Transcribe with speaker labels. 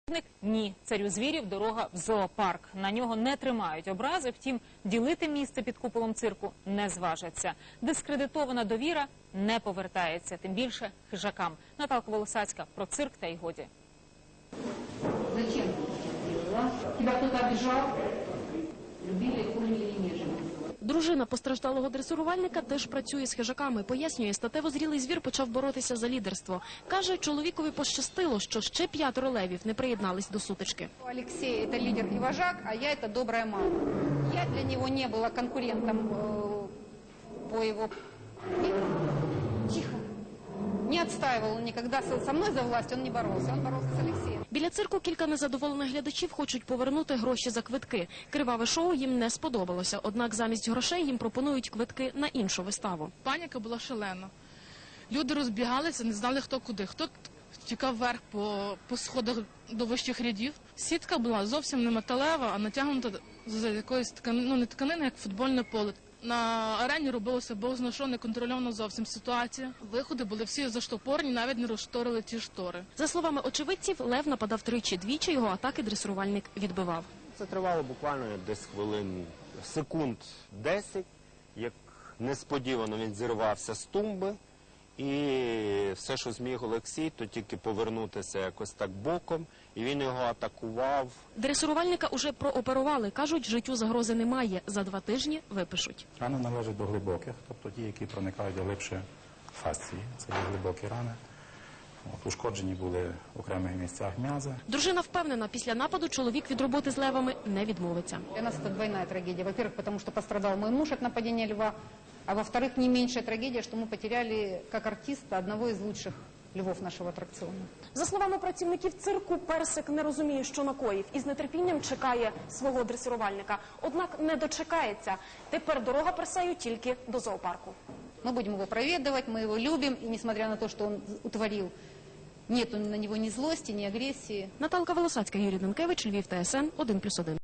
Speaker 1: Ні, царю звірів дорога в зоопарк. На нього не тримають образи, втім, ділити місце під куполом цирку не зважаться. Дискредитована довіра не повертається, тим більше хижакам. Наталка Волосацька про цирк та й годі.
Speaker 2: Зачем? Тебя кто-то обижал? Любили, кормили, нежели.
Speaker 3: Дружина постраждалого дресирувальника теж працює з хижаками. Пояснює, статево зрілий звір почав боротися за лідерство. Каже, чоловікові пощастило, що ще 5 левів не приєднались до сутички.
Speaker 2: Алексей – это лидер и вожак, а я – это добрая мама. Я для него не была конкурентом по его... Тихо. Не отстаивал никогда со мной за власть, он не боролся, он боролся с Алексеем.
Speaker 3: Біля цирку кілька незадоволених глядачів хочуть повернути гроші за квитки. Криваве шоу їм не сподобалося, однак замість грошей їм пропонують квитки на іншу виставу.
Speaker 4: Паніка була шалена. Люди розбігалися, не знали хто куди. Хто тікав вверх по сходах до вищих рядів. Сітка була зовсім не металева, а натягнута з якоїсь тканини, не тканини, як футбольне поле. На арені робилося бозна що, неконтрольована зовсім ситуація. Виходи були всі заштопорні, навіть не розшторили ті штори.
Speaker 3: За словами очевидців, лев нападав тричі, двічі його атаки дресирувальник відбивав.
Speaker 5: Це тривало буквально десь секунд 10, як несподівано він зірвався з тумби. І все, що зміг Олексій, то тільки повернутися якось так боком, і він його атакував.
Speaker 3: Дресирувальника уже прооперували. Кажуть, життю загрози немає. За 2 тижні випишуть.
Speaker 6: Рани належать до глибоких, тобто ті, які проникають глибше фасції. Це є глибокі рани. Ушкоджені були в окремих місцях м'язи.
Speaker 3: Дружина впевнена, після нападу чоловік від роботи з левами не відмовиться.
Speaker 2: Для нас это двойная трагедия. Во-первых, потому что пострадал мой муж от нападения льва, а во-вторых, не меньшая трагедия, что мы потеряли как артиста одного из лучших львов нашего аттракциона.
Speaker 7: За словами працівників цирку, Персик не розуміє, що накоїв, і з нетерпінням чекає свого дресирувальника. Однак не дочекається. Тепер дорога Персею тільки до зоопарку.
Speaker 2: Мы будем его проведывать, мы его любим, и несмотря на то, что он утворил, нету на него ни злости, ни агрессии.
Speaker 3: Наталка Волосацька, Юрій Данкевич, Львів, ТСН 1+1.